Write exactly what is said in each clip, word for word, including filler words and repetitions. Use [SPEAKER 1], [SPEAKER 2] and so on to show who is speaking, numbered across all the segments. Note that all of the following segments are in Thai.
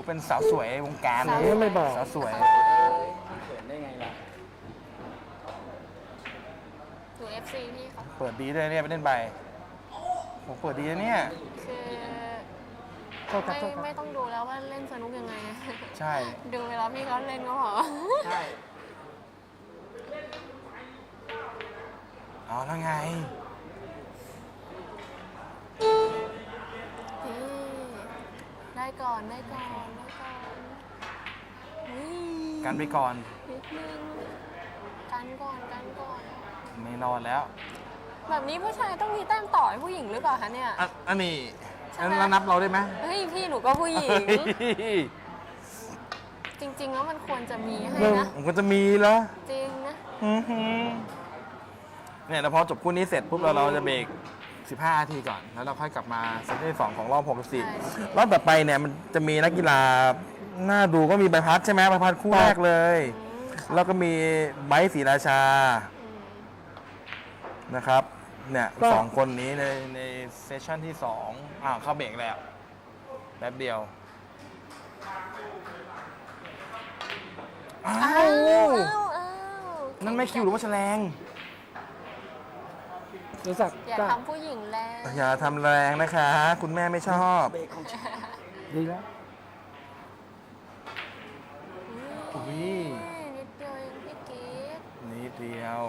[SPEAKER 1] เป็นสาวสวยวงการ
[SPEAKER 2] สาวสวย
[SPEAKER 3] ไม่บอก
[SPEAKER 1] สาวสวย
[SPEAKER 2] เขินได้ไงล่ะ
[SPEAKER 4] ดู เอฟ ซี พี่เขา
[SPEAKER 1] เปิดดีด้วยเนี่ยไปเล่นไปผมเปิดดีนะเนี่ย
[SPEAKER 4] คือ
[SPEAKER 3] โทษครับ
[SPEAKER 4] ไม่
[SPEAKER 3] โทษครับ
[SPEAKER 4] ไม่ต้องดูแล้วว่าเล่นสนุกยังไง
[SPEAKER 1] ใช่
[SPEAKER 4] ดูเวลาพี่เขาเล่นก็พอ
[SPEAKER 2] ใช่
[SPEAKER 1] เอาแล้วไง
[SPEAKER 4] นี่ได้ก่อนได้ก่อนได้ก่อนอุ๊ย
[SPEAKER 1] กันไปก่อน
[SPEAKER 4] นิดนึงกันก่อนกันก่อน
[SPEAKER 1] ไม่นอนแล้ว
[SPEAKER 4] แบบนี้ผู้ชายต้องมีแต้มต่อให้ผู้หญิงหรือเปล่าคะเนี่ย
[SPEAKER 1] อันอันนี้
[SPEAKER 4] ใช่
[SPEAKER 1] อัน
[SPEAKER 4] ไหม
[SPEAKER 1] แล้วนับเราได้ไหม
[SPEAKER 4] เฮ้ยพี่หนูก็ผู้หญิง
[SPEAKER 1] เฮ้ย
[SPEAKER 4] จริง ๆ แล้วมันควรจะมีให้นะ
[SPEAKER 1] มันก็จะมีแล้ว
[SPEAKER 4] จริงนะ
[SPEAKER 1] อื้อหือเนี่ยแล้วพอจบคู่นี้เสร็จปุ๊บเราเราจะเบรกสิบห้านาทีก่อน แล้วเราค่อยกลับมาเซตที่สองของรอบหกสิบสี่
[SPEAKER 4] ใช่
[SPEAKER 1] รอบต่อไปเนี่ยมันจะมีนักกีฬาน่าดูก็มีใบพัดใช่ไหมใบพัดคู่แรกเลย แล้วก็มีไบร์ทศรีราชา
[SPEAKER 4] อืม
[SPEAKER 1] นะครับ เนี่ย
[SPEAKER 3] ก็
[SPEAKER 1] สองคนนี้ในในเซสชั่นที่สองอ่าเข้าเบรกแล้วแป๊บเดียว อ้า
[SPEAKER 4] อ้าว
[SPEAKER 1] ว
[SPEAKER 4] อ้าวอ้าว
[SPEAKER 1] นั่นไม่คิวหรือว่าแฉลง
[SPEAKER 3] รู้จัก
[SPEAKER 4] อย่า
[SPEAKER 3] ก็
[SPEAKER 4] ทำผู้หญิงแรง
[SPEAKER 1] อย่าทำแรงนะคะ คุณแม่ไม่ชอบ
[SPEAKER 2] เบรกของฉัน
[SPEAKER 3] ดีแล้ว
[SPEAKER 1] อุ้ย
[SPEAKER 4] นิดเดียวเองพี่กิ๊ก
[SPEAKER 1] นิดเดียว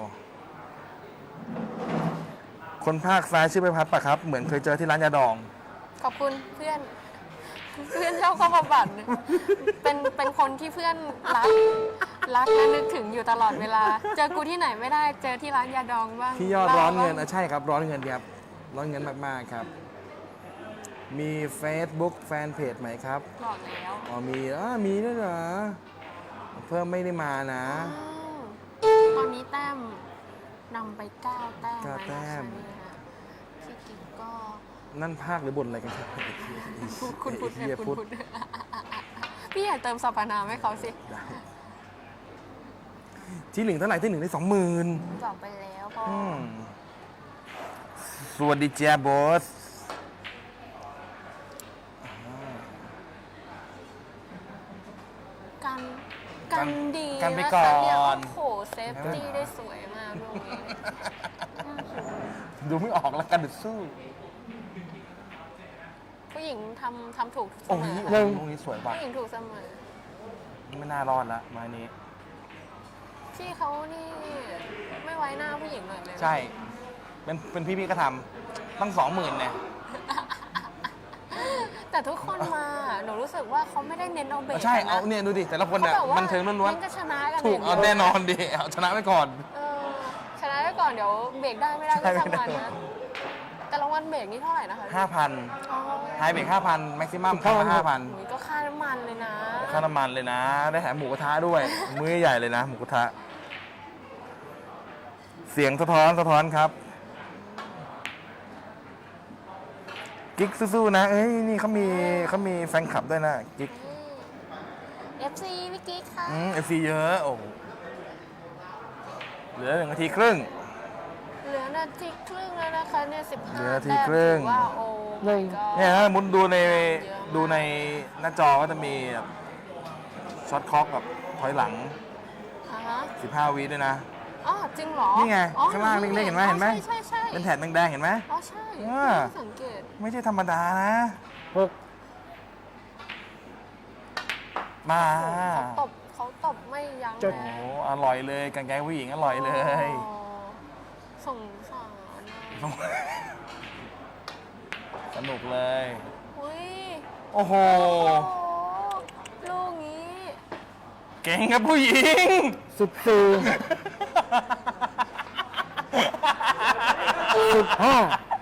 [SPEAKER 1] คนภาคซ้ายชื่อใบพัดปะครับ เหมือนเคยเจอที่ร้านยาดอง
[SPEAKER 4] ขอบคุณเพื่อน เพื่อนเจ้าเข้ามาบัตรเป็นเป็นคนที่เพื่อนรัก รักและนึกถึงอยู่ตลอดเวลา เจอกูที่ไหนไม่ได้เจอที่ร้านยาดองบ้าง
[SPEAKER 1] ที่ยอดร้อนเงิน
[SPEAKER 4] บ้า
[SPEAKER 1] อ่ะใช่ครับ ร้อนเงินครับ ร้อนเงินมากๆครับ มี Facebook แฟนเพจไหมครับ
[SPEAKER 4] บอกแล้ว
[SPEAKER 1] อ๋อมีอ่ามีด้วยเหรอ เพิ่มไม่ได้มานะ
[SPEAKER 4] อ้าวตอนนี้แต้มนำไปเก้าแต้ม
[SPEAKER 1] เก้า
[SPEAKER 4] แล้ว
[SPEAKER 1] แต้
[SPEAKER 4] นะคะ
[SPEAKER 1] ม
[SPEAKER 4] เนี่ยพี่กิ๊กก็
[SPEAKER 1] นั่นภาคหรือบนอะไรกันครับ
[SPEAKER 4] คุณพุทธ
[SPEAKER 1] เฮีย
[SPEAKER 4] คุณ
[SPEAKER 1] พุทธ
[SPEAKER 4] พุทธพี่อย่าเติมสรรพนามให้เขาสิ
[SPEAKER 1] ที่หนึ่งเท่าไหร่ที่หนึ่งได้สองหมื่น
[SPEAKER 4] บอกไปแล้วพ่ออ
[SPEAKER 1] สวัสดีเจ้าบอส
[SPEAKER 4] กันกันดี
[SPEAKER 1] กันไป
[SPEAKER 4] นะคะ
[SPEAKER 1] ก่อ
[SPEAKER 4] เนี่ย
[SPEAKER 1] น
[SPEAKER 4] โอ้โหเซฟตี้ได้สวยมากลูกนี้
[SPEAKER 1] ดูไม่ออกแล้วกันดึดสู้
[SPEAKER 4] ผู้หญิงทำทำถูกเส
[SPEAKER 1] โอ้
[SPEAKER 4] ม
[SPEAKER 1] ย
[SPEAKER 4] อ
[SPEAKER 1] โอ้ยตรงนี้สวยป่ะ
[SPEAKER 4] ผู้หญิงถูกเสมอ
[SPEAKER 1] ไม่น่ารอดละไม้นี้
[SPEAKER 4] พี่เขานี่ไม่ไว้หน้าผู้หญิงเลยเลย
[SPEAKER 1] ใช่ เป็นเป็นพี่พี่ก็ทำตั้งสองหมื่นเนี่ย
[SPEAKER 4] แต่ทุกคนมาหนูรู้สึกว่าเขาไม่ได้เน้นเอาเบรก
[SPEAKER 1] ใช่
[SPEAKER 4] กันนะ
[SPEAKER 1] เอาเนี่ยดูดิ แต่ละคน
[SPEAKER 4] เขา
[SPEAKER 1] เนี่ย
[SPEAKER 4] แบบว่า
[SPEAKER 1] บันเทิงล้วน
[SPEAKER 4] เน้นจะชนะกัน
[SPEAKER 1] ๆ ถูก
[SPEAKER 4] ย่ง
[SPEAKER 1] เอา
[SPEAKER 4] ดียว
[SPEAKER 1] แน่นอนดิ เอาชนะไปก่อน
[SPEAKER 4] เออชนะไว้ก่อนเดี๋ยวเบรกได้ไม่ได้ก็
[SPEAKER 1] ใช่
[SPEAKER 4] ช่างมัน
[SPEAKER 1] ไม่ได้
[SPEAKER 4] นะแต่รางวัลเบรกนี่เท่าไหร่นะคะ
[SPEAKER 1] ห้าพัน
[SPEAKER 4] อ๋อ
[SPEAKER 1] ไฮเบรกห้าพันแม็กซิมัมค่าห้าพัน
[SPEAKER 4] หนูก็ค่าน้ำมันเลยนะ
[SPEAKER 1] ค่าน้ำมันเลยนะ ได้แถมหมูกระทะด้วย มื้อใหญ่เลยนะ หมูกระทะ เสียงสะท้อนสะท้อนครับ กิ๊กสู้ๆนะ เอ้ย นี่เขามีเขามีแฟนคลับด้วยนะ กิ๊ก
[SPEAKER 4] เอฟซีพี่กิ๊กค่ะ
[SPEAKER 1] อืมเอฟซีเยอะ โอ้โหเหลือหนึ่งนาทีครึ่ง
[SPEAKER 4] เหลือนาทีครึ่งแล้วนะคะเนี่ยสิบ
[SPEAKER 1] เหลื
[SPEAKER 4] ห้า
[SPEAKER 1] อนาที
[SPEAKER 4] แต้ม
[SPEAKER 1] ครึ่ง
[SPEAKER 4] ถือว่าโอ้
[SPEAKER 3] หนึ่ง
[SPEAKER 4] my god
[SPEAKER 1] เนี่ยถ้ามุนดูใน
[SPEAKER 4] เยอะมาก
[SPEAKER 1] ดูในหน้าจอก็จะมีแบบช็อตคล็อกกับถอยหลัง
[SPEAKER 4] อ่าฮะ
[SPEAKER 1] สิบห้าวิด้วยนะ
[SPEAKER 4] อ๋อจริงเหรอ
[SPEAKER 1] นี่ไง
[SPEAKER 4] อ๋อ
[SPEAKER 1] ข้างล่างเล็กๆเห็นไหมเห็นไหม
[SPEAKER 4] ใช่ใช่ใช่
[SPEAKER 1] เป็นแถบแดงๆเห็นไหม
[SPEAKER 4] อ๋อใช่
[SPEAKER 1] อ่า
[SPEAKER 4] ไม่ได้สังเกต
[SPEAKER 1] ไม่ใช่ธรรมดานะ
[SPEAKER 3] หก
[SPEAKER 1] มา
[SPEAKER 4] เขาตบเขาตบไม่ยั้ง
[SPEAKER 1] โอ้โหอร่อยเลยกางเกงผู้หญิงอร่อยเลย
[SPEAKER 4] อ๋อสงสารนะ
[SPEAKER 1] สนุกเลย
[SPEAKER 4] อุ้ย
[SPEAKER 1] โอ้โห
[SPEAKER 4] โอ้ลูกนี้
[SPEAKER 1] เก่งครับผู้หญิง
[SPEAKER 3] สิบสี่สิบห้า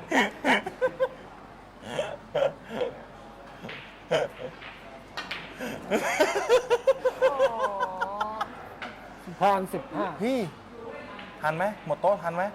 [SPEAKER 4] โอ้
[SPEAKER 3] พรสิบห้า
[SPEAKER 1] พี่ทันไหมหมดโต๊ะทันไหม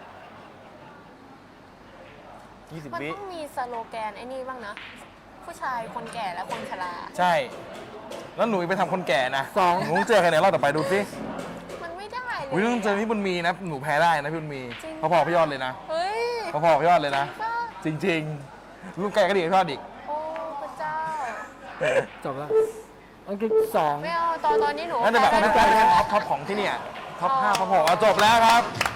[SPEAKER 1] ยี่สิบ
[SPEAKER 4] มัน
[SPEAKER 1] วิ
[SPEAKER 4] ต้องมีสโลแกนไอ้นี่บ้างนะ ผู้ชายคนแก่และคนชรา
[SPEAKER 1] ใช่ แล้วหนูไปทำคนแก่นะ
[SPEAKER 3] สอง
[SPEAKER 1] หนูต้องเจอใครในรอบต่อไปดูสิ
[SPEAKER 4] มันไม่ได้เลย
[SPEAKER 1] อุ้ยต้องเจอพี่บุญมีนะ หนูแพ้ได้นะพี่บุญมี
[SPEAKER 4] จริง
[SPEAKER 1] พอๆพี่ยอดเลยนะ
[SPEAKER 4] เฮ้ย
[SPEAKER 1] พอๆพี่ยอดเลยนะ
[SPEAKER 4] ป้า
[SPEAKER 1] จริงๆลูกแกก็ดีกว่าพี่ยอดอีก
[SPEAKER 4] โอ้พระเจ้า
[SPEAKER 3] จบแล้วอังกฤษสอง
[SPEAKER 4] ไม่เอาตอนตอนนี้หนู
[SPEAKER 1] น่าจะแบบ
[SPEAKER 4] แพ้
[SPEAKER 1] น่า
[SPEAKER 4] ได้
[SPEAKER 1] จะ
[SPEAKER 4] ด้วย
[SPEAKER 1] ท็อปท็อปของที่เนี่ยท็อปห้าท็อปหกเอาจบแล้วครับ